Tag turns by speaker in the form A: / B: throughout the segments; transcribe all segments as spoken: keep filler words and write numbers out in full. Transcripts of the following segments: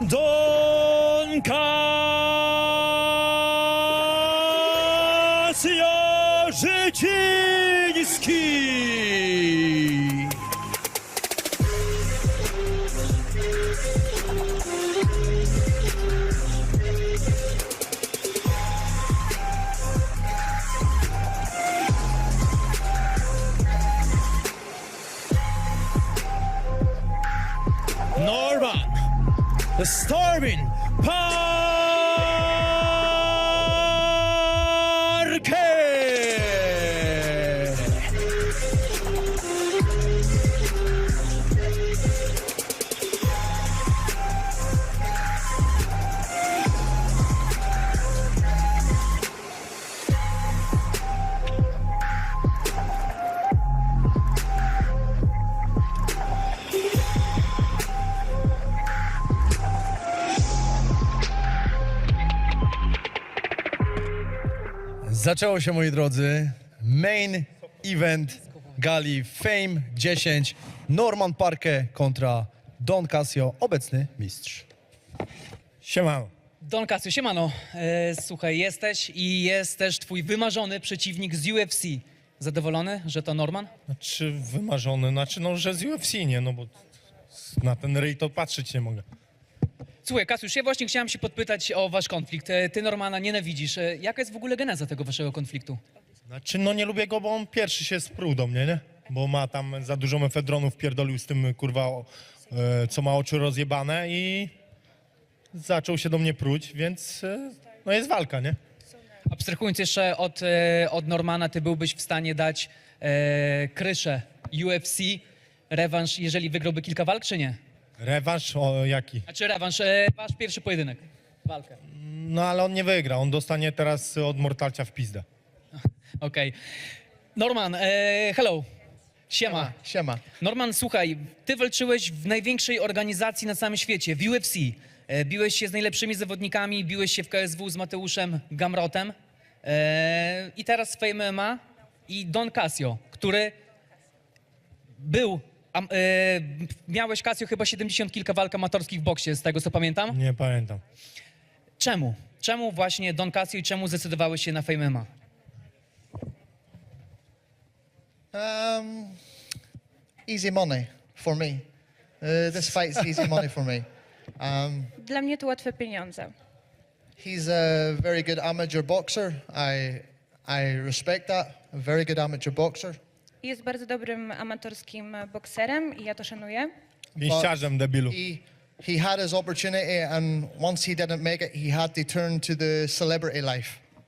A: Don Casio Życiński. Norman, the Stormin Parker.
B: Zaczęło się, moi drodzy, main event gali Fame dziesięć. Norman Parker kontra Don Casio, obecny mistrz.
C: Siemano.
D: Don Casio, siemano. E, słuchaj, jesteś i jest też twój wymarzony przeciwnik z U F C. Zadowolony, że to Norman?
C: Znaczy wymarzony, znaczy no, że z U F C, nie? No bo na ten ryj to patrzeć nie mogę.
D: Słuchaj, Kasiusz, ja właśnie chciałem się podpytać o wasz konflikt. E, Ty Normana nienawidzisz. E, Jaka jest w ogóle geneza tego waszego konfliktu?
C: Znaczy no nie lubię go, bo on pierwszy się sprół do mnie, nie? Bo ma tam za dużo mefedronów, pierdolił z tym, kurwa, o, e, co ma oczy rozjebane i zaczął się do mnie pruć, więc e, no jest walka, nie?
D: Abstrahując jeszcze od, e, od Normana, ty byłbyś w stanie dać e, kryszę U F C, rewanż, jeżeli wygrałby kilka walk, czy nie?
C: Rewanż o jaki?
D: Znaczy rewanż, e, wasz pierwszy pojedynek, walkę.
C: No ale on nie wygra, on dostanie teraz od Mortalcia w pizdę.
D: Okej. Norman, e, hello. Siema.
B: Siema.
D: Norman, słuchaj, ty walczyłeś w największej organizacji na całym świecie, w U F C. E, biłeś się z najlepszymi zawodnikami, biłeś się w K S W z Mateuszem Gamrotem. E, I teraz w Fame M M A i Don Casio, który był... Am, e, miałeś, Casio, chyba siedemdziesiąt kilka walk amatorskich w boksie, z tego co pamiętam.
C: Nie pamiętam.
D: Czemu? Czemu właśnie Don Casio i czemu zdecydowałeś się na Fame M M A?
E: Um, easy money for me. Uh, this fight's easy money for me. Um,
F: Dla mnie to łatwe pieniądze.
E: he's a very good amateur boxer. I I respect that. A very good amateur boxer.
F: Jest bardzo dobrym amatorskim bokserem i ja to szanuję.
C: Pięściarzem, debilu.
E: He he had his opportunity, and once he didn't make it, he had to turn to the celebrity life.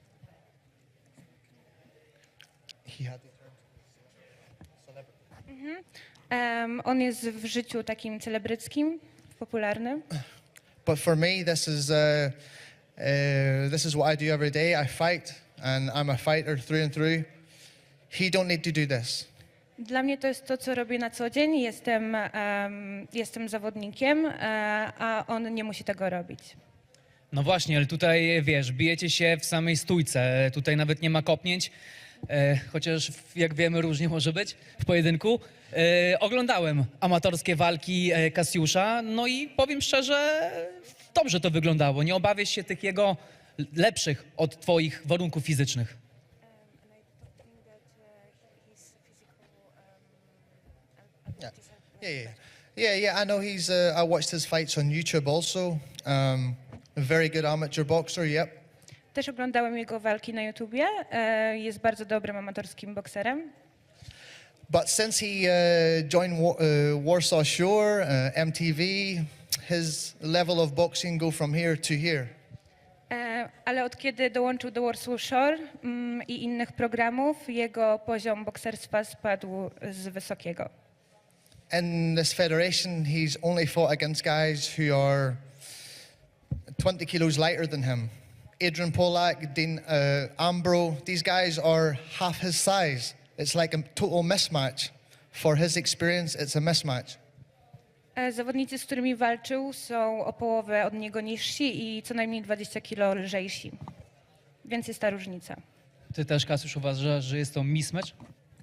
E: He had to turn to celebrity.
F: Um, on jest w życiu takim celebryckim, popularnym.
E: But for me, this is uh, uh, this is what I do every day. I fight, and I'm a fighter through and through. He don't need to do this.
F: Dla mnie to jest to, co robię na co dzień. Jestem, um, jestem zawodnikiem, e, a on nie musi tego robić.
D: No właśnie, ale tutaj, wiesz, bijecie się w samej stójce, tutaj nawet nie ma kopnięć, e, chociaż w- jak wiemy różnie może być w pojedynku. E, oglądałem amatorskie walki e, Kasiusza, no i powiem szczerze, dobrze to wyglądało. Nie obawiasz się tych jego lepszych od twoich warunków fizycznych.
E: Yeah, yeah, yeah, yeah. yeah I know he's. Uh, I watched his fights on YouTube also. Um, a very good amateur boxer. Yep.
F: Też oglądałem jego walki na YouTubie. E, jest bardzo dobrym amatorskim bokserem.
E: But since he uh, joined Wa- uh, Warsaw Shore, uh, M T V, his level of boxing go from here to here.
F: E, ale od kiedy dołączył do Warsaw Shore mm, i innych programów, jego poziom bokserstwa spadł z wysokiego.
E: In this federation, he's only fought against guys who are twenty kilos lighter than him. Adrian Polak, Dean uh, Ambro, these guys are half his size. It's like a total mismatch. For his experience, it's a mismatch.
F: E, Zawodnicy, z którymi walczył, są o połowę od niego niżsi i co najmniej dwadzieścia kilo lżejsi. Więc jest ta różnica.
D: Ty też, Kasiusz, uważasz, że jest to mismatch?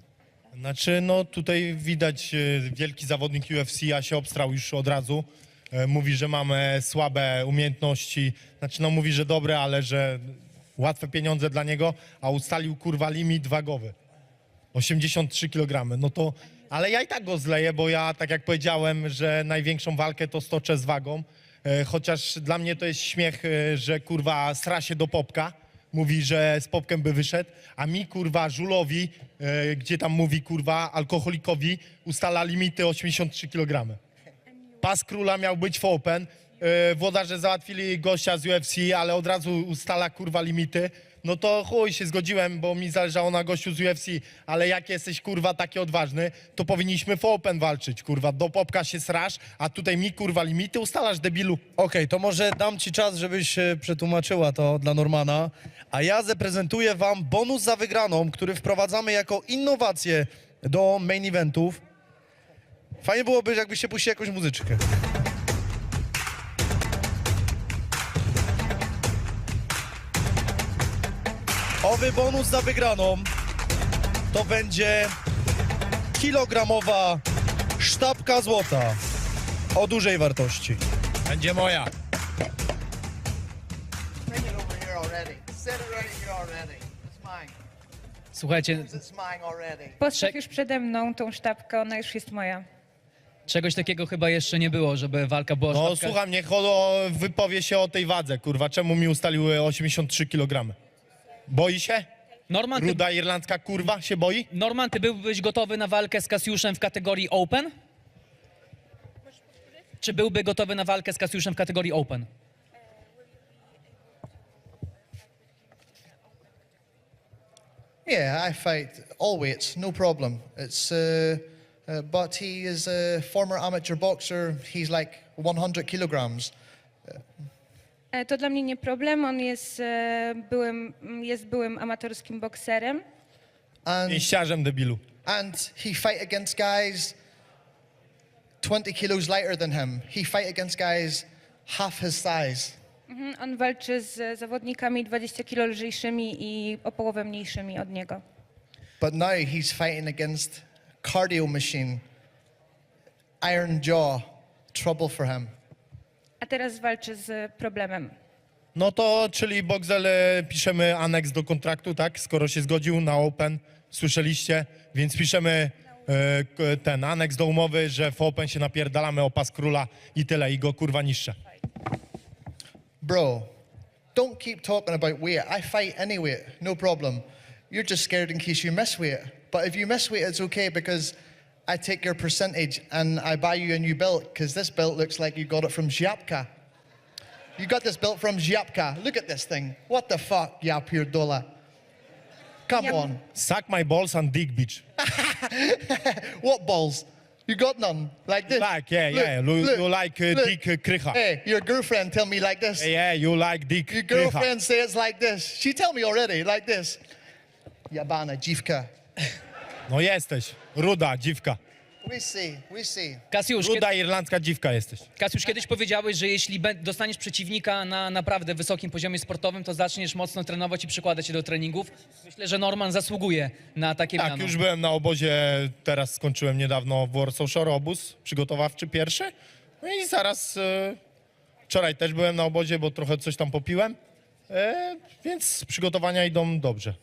C: Znaczy, no tutaj widać e, wielki zawodnik U F C, a się obstrał już od razu. E, mówi, że mamy słabe umiejętności, znaczy no mówi, że dobre, ale że łatwe pieniądze dla niego, a ustalił kurwa limit wagowy. osiemdziesiąt trzy kilogramy, no to, ale ja i tak go zleję, bo ja, tak jak powiedziałem, że największą walkę to stoczę z wagą, e, chociaż dla mnie to jest śmiech, e, że kurwa sra się do popka, mówi, że z popkiem by wyszedł, a mi kurwa żulowi, e, gdzie tam mówi kurwa alkoholikowi, ustala limity osiemdziesiąt trzy kilogramy. Pas króla miał być w Open, e, włodarze załatwili gościa z U F C, ale od razu ustala kurwa limity. No to chuj, się zgodziłem, bo mi zależało na gościu z U F C, ale jak jesteś kurwa taki odważny, to powinniśmy w Open walczyć, kurwa, do popka się srasz, a tutaj mi kurwa limity ustalasz, debilu.
B: Okej, to może dam ci czas, żebyś e, przetłumaczyła to dla Normana, a ja zaprezentuję wam bonus za wygraną, który wprowadzamy jako innowację do main eventów. Fajnie byłoby, jakbyście puścili jakąś muzyczkę. Owy bonus za wygraną to będzie kilogramowa sztabka złota o dużej wartości.
C: Będzie moja.
E: Bring it over here already. Set it right here already. It's mine.
D: Słuchajcie,
E: It's mine already.
F: Postaw
D: Czek-
F: już przede mną tą sztabkę, ona już jest moja.
D: czegoś takiego chyba jeszcze nie było, żeby walka była
C: No
D: sztabka.
C: słucham, niech Holo wypowie się o tej wadze, kurwa, czemu mi ustaliły osiemdziesiąt trzy kilogramy? Boi się?
D: Norman, ty,
C: Ruda irlandzka kurwa się boi?
D: Norman, ty byłbyś gotowy na walkę z Kasiuszem w kategorii Open? Czy byłby gotowy na walkę z Kasiuszem w kategorii Open?
E: Yeah, I fight all weights, no problem. It's, uh, uh, but he is a former amateur boxer. He's like one hundred kilograms.
F: E, To dla mnie nie problem, on jest e, byłym, jest byłym amatorskim bokserem.
E: And,
C: Pięściarzem, debilu.
E: and he fight against guys twenty kilos lighter than him. He fight against guys half his size.
F: Mhm, On walczy z zawodnikami dwadzieścia kilo lżejszymi i o połowę mniejszymi od niego.
E: But now he's fighting against cardio machine, iron jaw, trouble for him.
F: A teraz walczy z problemem.
C: No to, czyli Boxel, e, piszemy aneks do kontraktu, tak? Skoro się zgodził na Open, słyszeliście, więc piszemy e, k- ten aneks do umowy, że w Open się napierdalamy o pas króla i tyle, i go kurwa niszczę.
E: Bro, don't keep talking about weight. I fight any weight, no problem. You're just scared in case you miss weight. But if you miss weight, it's okay because I take your percentage and I buy you a new belt because this belt looks like you got it from Ziapka. You got this belt from Ziapka. Look at this thing. What the fuck, ya pierdola? Come
F: Yep.
E: on.
C: Suck my balls and dick, bitch.
E: What balls? You got none like this.
C: Like, yeah, yeah. You- you like, uh,
E: look.
C: dick, uh, krycha.
E: Hey, your girlfriend tell me like this.
C: Yeah, you like dick,
E: Your
C: krycha.
E: girlfriend say it's like this. She tell me already, like this. Jabana, dziwka.
C: No jesteś, ruda dziwka.
E: We see, we see.
D: Kasiusz, kiedy,
C: Ruda irlandzka dziwka jesteś.
D: Kasiusz, kiedyś powiedziałeś, że jeśli bę- dostaniesz przeciwnika na naprawdę wysokim poziomie sportowym, to zaczniesz mocno trenować i przykładać się do treningów. Myślę, że Norman zasługuje na takie
C: Tak,
D: miano.
C: już byłem na obozie, teraz skończyłem niedawno w Warsaw Shore obóz przygotowawczy pierwszy. No i zaraz, e, wczoraj też byłem na obozie, bo trochę coś tam popiłem, e, więc przygotowania idą dobrze.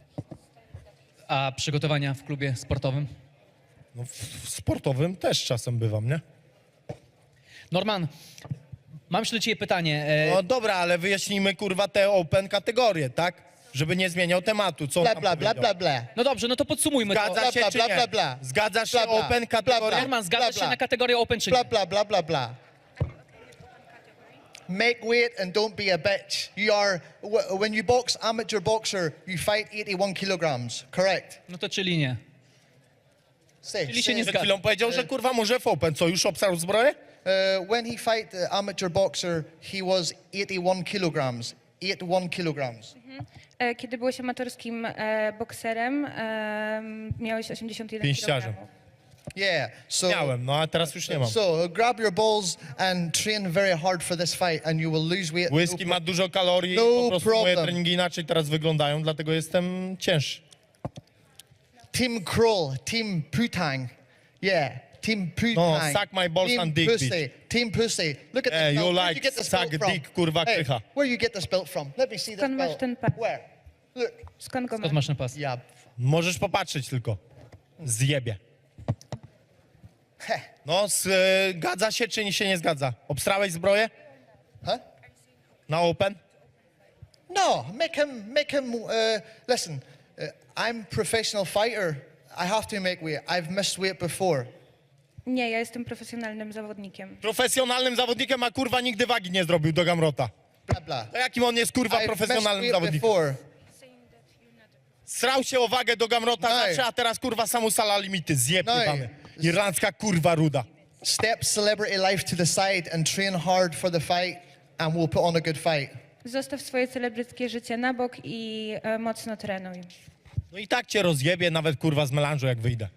D: A przygotowania w klubie sportowym?
C: No, w, w sportowym też czasem bywam, nie?
D: Norman, mam jeszcze do ciebie pytanie. E,
C: No dobra, ale wyjaśnijmy kurwa te open kategorie, tak? Żeby nie zmieniał tematu, co on
E: Bla,
C: tam
E: bla, bla,
C: powiedział.
E: bla, bla.
D: No dobrze, no to podsumujmy to.
C: Zgadza się
E: Bla,
C: czy
E: bla,
C: nie?
E: bla, bla.
C: Zgadzasz się
E: Bla, bla.
C: open
E: Bla,
C: kategorie?
E: bla.
D: Norman, zgadzasz
E: bla,
D: się
E: bla.
D: na kategorię Open czy
E: Bla,
D: nie?
E: bla, bla, bla, bla. Make weight and don't be a bitch. You are, wh- when you box amateur boxer, you fight eighty-one kilograms, correct?
D: No to czyli nie.
E: Say,
D: Czyli się
E: say.
D: nie
C: Przed
D: zgadza.
C: chwilą powiedział, że kurwa może w open. Co, już obsarł zbroję?
E: Uh, when he fight the amateur boxer, he was eighty-one kilograms. eighty-one kilograms.
F: E, Kiedy byłeś amatorskim e, bokserem, e, miałeś osiemdziesiąt jeden
C: Pięściarzem.
F: kilogramów.
E: Yeah. So,
C: Miałem, no a teraz już nie mam.
E: so grab your balls and train very hard for this fight, and you will lose weight.
C: Whisky
E: No
C: ma dużo kalorii,
E: No
C: po prostu moje
E: problem.
C: treningi inaczej teraz wyglądają, dlatego jestem cięższy.
E: Team Kroll, Team Putang. Yeah. Team Poo
C: No,
E: Tang.
C: suck my balls
E: Team
C: and dick,
E: pussy.
C: bitch.
E: Team Pussy. Look at
C: Eh,
E: this
C: you
E: belt. Where'd
C: like
E: you get this
C: suck
E: belt from?
C: dick, kurwa,
E: hey,
C: krycha.
E: where you get this belt from? Let me see this
F: Skąd masz
E: belt.
F: ten pas?
E: Where? Look.
F: Skąd go
D: Skąd
F: masz?
D: masz ten pas?
E: Yeah.
C: Możesz popatrzeć tylko. Zjebie.
E: Heh.
C: No, zgadza się czy się nie zgadza? Obstrałeś zbroję
E: Huh?
C: na open?
E: No, make him, make him, uh, listen, uh, I'm professional fighter. I have to make weight. I've missed weight before.
F: Nie, ja jestem profesjonalnym zawodnikiem.
C: Profesjonalnym zawodnikiem, a kurwa nigdy wagi nie zrobił do Gamrota.
E: Blah, blah.
C: To jakim on jest kurwa
E: I've missed
C: profesjonalnym
E: weight
C: zawodnikiem?
E: before.
C: Srał się o wagę do Gamrota
E: No.
C: zawsze, a teraz kurwa samusala limity. Zjeb
E: No.
C: jebany. Irlandzka kurwa ruda.
E: Step celebrity life to the side and train hard for the fight, and we'll put on a good fight.
F: Zostaw swoje celebryckie życie na bok i e, mocno trenuj.
C: No i tak cię rozjebie nawet kurwa z melanżu jak wyjdę.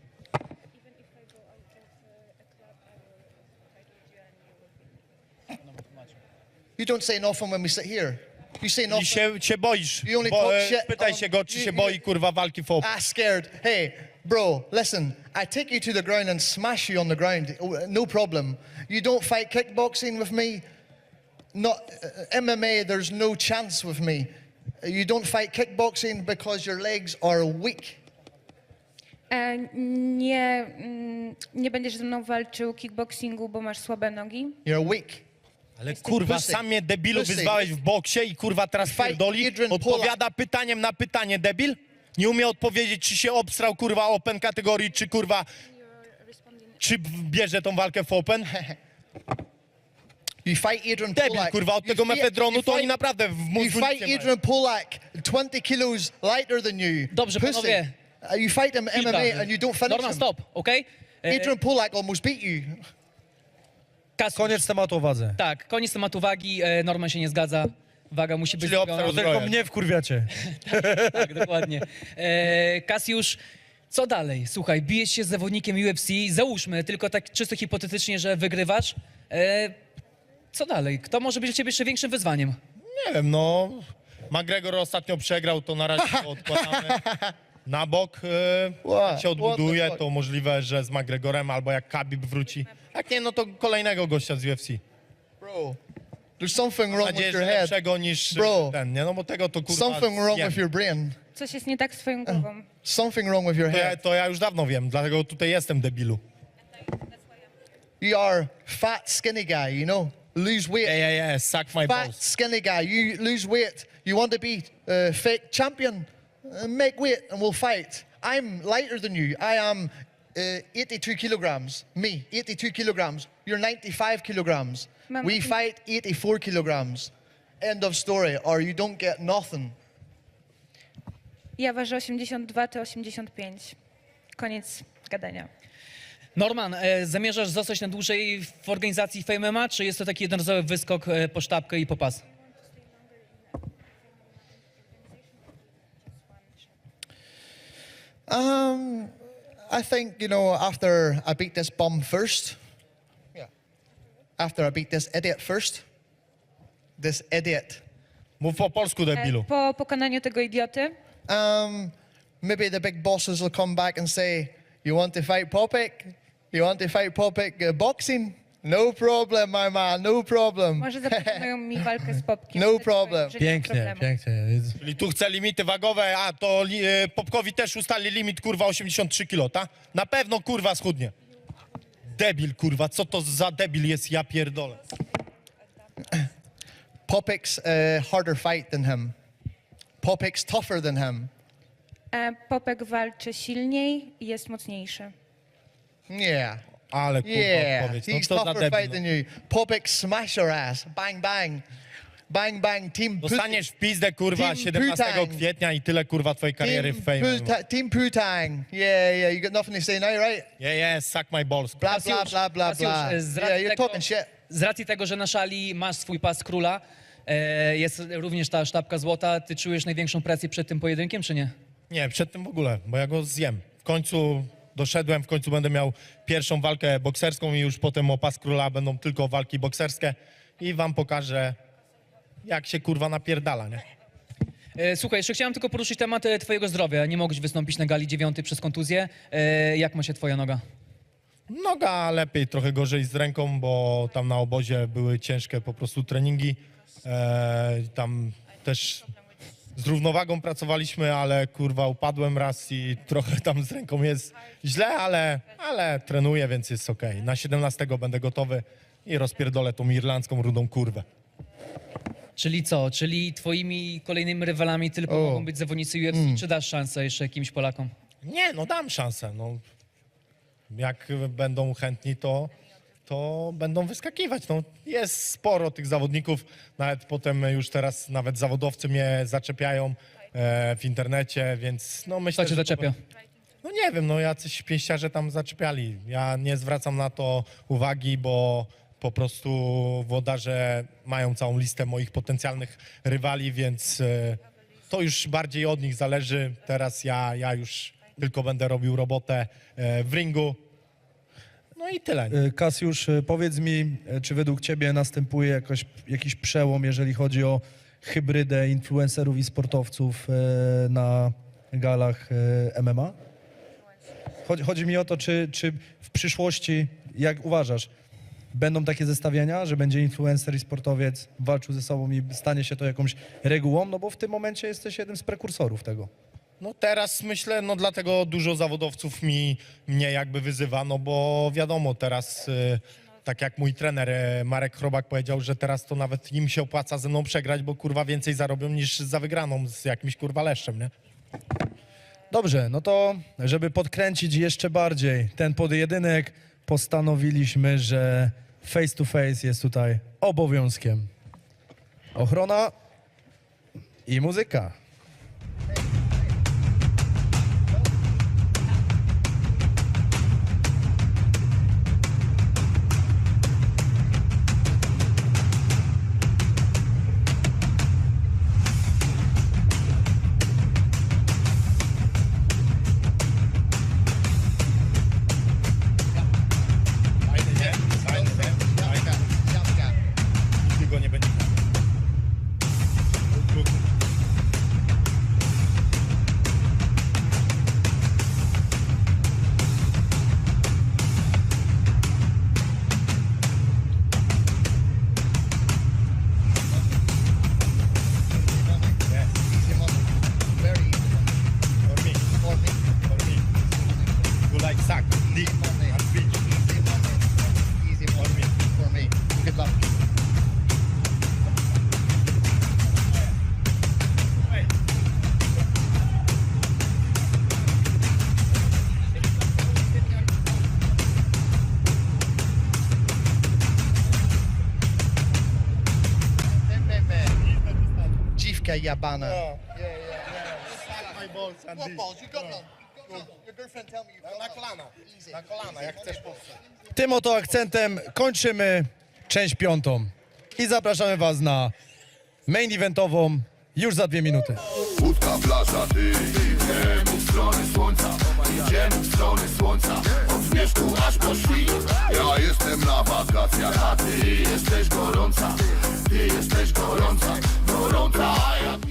E: You don't say nothing when we sit here. You say
C: I
E: nothing.
C: się, się boisz.
E: You only
C: Bo,
E: talk
C: e,
E: shit
C: pytaj
E: on-
C: się go, czy
E: you-
C: się
E: you-
C: boi kurwa walki w open.
E: Ah, scared. Hey, bro, listen. I take you to the ground and smash you on the ground. Oh, no problem. You don't fight kickboxing with me. Not uh, M M A. There's no chance with me. You don't fight kickboxing because your legs are weak.
F: E, nie, mm, nie będziesz ze mną walczył kickboxingu, bo masz słabe nogi.
E: You're weak.
C: Ale kurwa,
E: pussy.
C: sam mnie debilu
E: Pussy.
C: wyzwałeś w boksie i kurwa teraz
E: Fight
C: pierdoli.
E: Adrian
C: Odpowiada pytaniem na pytanie, debil? Nie umie odpowiedzieć, czy się obstrał kurwa open kategorii, czy kurwa... Czy bierze tą walkę w open?
E: You fight Adrian
C: Debil,
E: Polak.
C: kurwa, od
E: You
C: tego
E: fight-
C: mefedronu
E: you
C: to oni
E: fight-
C: naprawdę w
E: You
C: mózgu nic
E: fight
C: nie mają.
E: Adrian Polak, twenty kilos lighter than you.
D: Dobrze,
E: Pussy.
D: panowie.
E: Uh, You fight him M M A and you don't finish
D: Norman,
E: him.
D: stop, okej? E,
E: Adrian Polak almost beat you.
D: Kasiusz,
B: Koniec tematu o wadze.
D: Tak, koniec tematu wagi. E, Norman się nie zgadza. Waga musi być
C: Czyli
D: zrobiona.
C: obstrał
B: Tylko
C: zbroję.
B: mnie wkurwiacie.
D: Tak, dokładnie. E, Kasiusz, co dalej? Słuchaj, bijesz się z zawodnikiem U F C, załóżmy, tylko tak czysto hipotetycznie, że wygrywasz. E, co dalej? Kto może być dla ciebie jeszcze większym wyzwaniem?
C: Nie wiem, no... McGregor ostatnio przegrał, to na razie to odkładamy na bok. E,
E: What?
C: jak się odbuduje,
E: What the fuck?
C: to możliwe, że z McGregorem albo jak Khabib wróci. Jak nie, no to kolejnego gościa z U F C.
E: Bro, there's something
C: Mam
E: wrong with
C: nadzieję, że
E: your head.
C: lepszego niż
E: Bro.
C: ten, nie? No bo tego to kurwa
E: Something wrong
C: zjem.
E: with your brain.
F: Coś jest nie tak z twoją głową.
E: Something wrong with your
C: To ja,
E: head.
C: to ja już dawno wiem, dlatego tutaj jestem, debilu.
E: You are fat, skinny guy, you know? Lose weight.
C: Yeah, yeah, yeah, suck my
E: Fat,
C: balls.
E: skinny guy. You lose weight. You want to be uh, fake champion? Uh, make weight and we'll fight. I'm lighter than you. I am uh, eighty-two kilograms. Me, eighty-two kilograms. You're ninety-five kilograms.
F: Mam-
E: We fight eighty-four kilograms. End of story. Or you don't get nothing.
F: Ja ważę osiemdziesiąt dwa, ty osiemdziesiąt pięć. Koniec gadania.
D: Norman, e, zamierzasz zostać na dłużej w organizacji Fame M M A, czy jest to taki jednorazowy wyskok e, po sztabkę i po pas?
E: Um, I think, you know, after I beat this bum first, yeah, after I beat this idiot first, this idiot,
C: Mów po polsku,
F: E,
C: debilu.
F: po pokonaniu tego idioty,
E: um, maybe the big bosses will come back and say, you want to fight Popek? You want to fight Popek uh, boxing? No problem, my man, no problem.
F: może zaproponują mi walkę z Popkiem.
E: No
F: Że-
E: problem.
F: że nie ma
B: Pięknie,
F: problemu.
B: pięknie.
C: Czyli tu chce limity wagowe, a to li, e, Popkowi też ustali limit, kurwa, osiemdziesiąt trzy kilo, ta? Na pewno, kurwa, schudnie. Debil, kurwa, co to za debil jest, ja pierdolę.
E: Popek's a harder fight than him. Popek's tougher than him.
F: E, Popek walczy silniej i jest mocniejszy.
E: Yeah.
C: Ale, kurwa,
E: Yeah,
C: odpowiedź, no
E: he's
C: co za
E: tougher
C: debil.
E: fight than
C: No.
E: you. Popek smash your ass. Bang, bang. Bang, bang. Team Pussy.
C: Dostaniesz w pizdę, kurwa,
E: Team
C: siedemnastego
E: Putang.
C: kwietnia i tyle, kurwa, twojej kariery w
E: Team,
C: fame.
E: Puta- Team Putang. Yeah, yeah. You got nothing to say now, right?
C: Yeah, yeah, suck my balls.
E: Blah, blah, blah, blah,
D: Kasiusz,
E: blah.
D: e, z
E: Yeah,
D: racji
E: you're
D: tego-
E: talking shit.
D: Z racji tego, że na szali masz swój pas króla, e, jest również ta sztabka złota, ty czujesz największą presję przed tym pojedynkiem, czy nie?
C: Nie, przed tym w ogóle, bo ja go zjem. W końcu doszedłem, w końcu będę miał pierwszą walkę bokserską i już potem o pas króla będą tylko walki bokserskie i wam pokażę, jak się kurwa napierdala, nie?
D: E, Słuchaj, jeszcze chciałem tylko poruszyć temat e, twojego zdrowia. Nie mogłeś wystąpić na gali dziewiątej przez kontuzję. E, Jak ma się twoja noga?
C: Noga lepiej, trochę gorzej z ręką, bo tam na obozie były ciężkie po prostu treningi. E, tam też z równowagą pracowaliśmy, ale kurwa upadłem raz i trochę tam z ręką jest źle, ale, ale trenuję, więc jest okej. Na siedemnastego będę gotowy i rozpierdolę tą irlandzką rudą kurwę.
D: Czyli co? Czyli twoimi kolejnymi rywalami tylko
B: O.
D: mogą być zawodnicy U F C, czy dasz szansę jeszcze jakimś Polakom?
C: Nie, no dam szansę. No. Jak będą chętni, to, to będą wyskakiwać. No, jest sporo tych zawodników, nawet potem już teraz nawet zawodowcy mnie zaczepiają e, w internecie, więc no myślę,
D: Kto cię
C: że to
D: zaczepia?
C: No nie wiem, no jacyś pięściarze tam zaczepiali. Ja nie zwracam na to uwagi, bo po prostu włodarze mają całą listę moich potencjalnych rywali, więc e, to już bardziej od nich zależy. Teraz ja, ja już tylko będę robił robotę e, w ringu. No i tyle. nie?
B: E, Kasiusz, e, powiedz mi, e, czy według ciebie następuje jakoś, jakiś przełom, jeżeli chodzi o hybrydę influencerów i sportowców e, na galach e, M M A? Chodzi, chodzi mi o to, czy, czy w przyszłości, jak uważasz, będą takie zestawienia, że będzie influencer i sportowiec walczył ze sobą i stanie się to jakąś regułą? No bo w tym momencie jesteś jednym z prekursorów tego.
C: No teraz myślę, no dlatego dużo zawodowców mi, mnie jakby wyzywa, no bo wiadomo, teraz y, tak jak mój trener y, Marek Chrobak powiedział, że teraz to nawet im się opłaca ze mną przegrać, bo kurwa więcej zarobią niż za wygraną z jakimś kurwa leszczem, nie?
B: Dobrze, no to żeby podkręcić jeszcze bardziej ten pojedynek, postanowiliśmy, że face to face jest tutaj obowiązkiem. Ochrona i muzyka.
C: Fajny, nie? Fajny, nie? Fajny. Nigdy go nie będzie.
E: Easy money. Very easy money.
C: For me,
E: For me,
C: for me. You like suck, dick,
E: money.
C: and bitch.
E: Easy money. Easy money. For me. Good luck. Dziwka jabana.
C: My balls and dick.
E: You got none. Your girlfriend tell me you got
C: Na
E: none.
C: kolana, na kolana, jak chcesz powstać.
B: Tym oto akcentem kończymy część piątą i zapraszamy was na main eventową już za dwie minuty.
G: Łódka, plaża, ty idziemy w stronę słońca. Idziemy w stronę słońca. Od zmierzchu aż po świt. Ja jestem na wakacjach, a ty jesteś gorąca. Ty jesteś gorąca, gorąca, a ja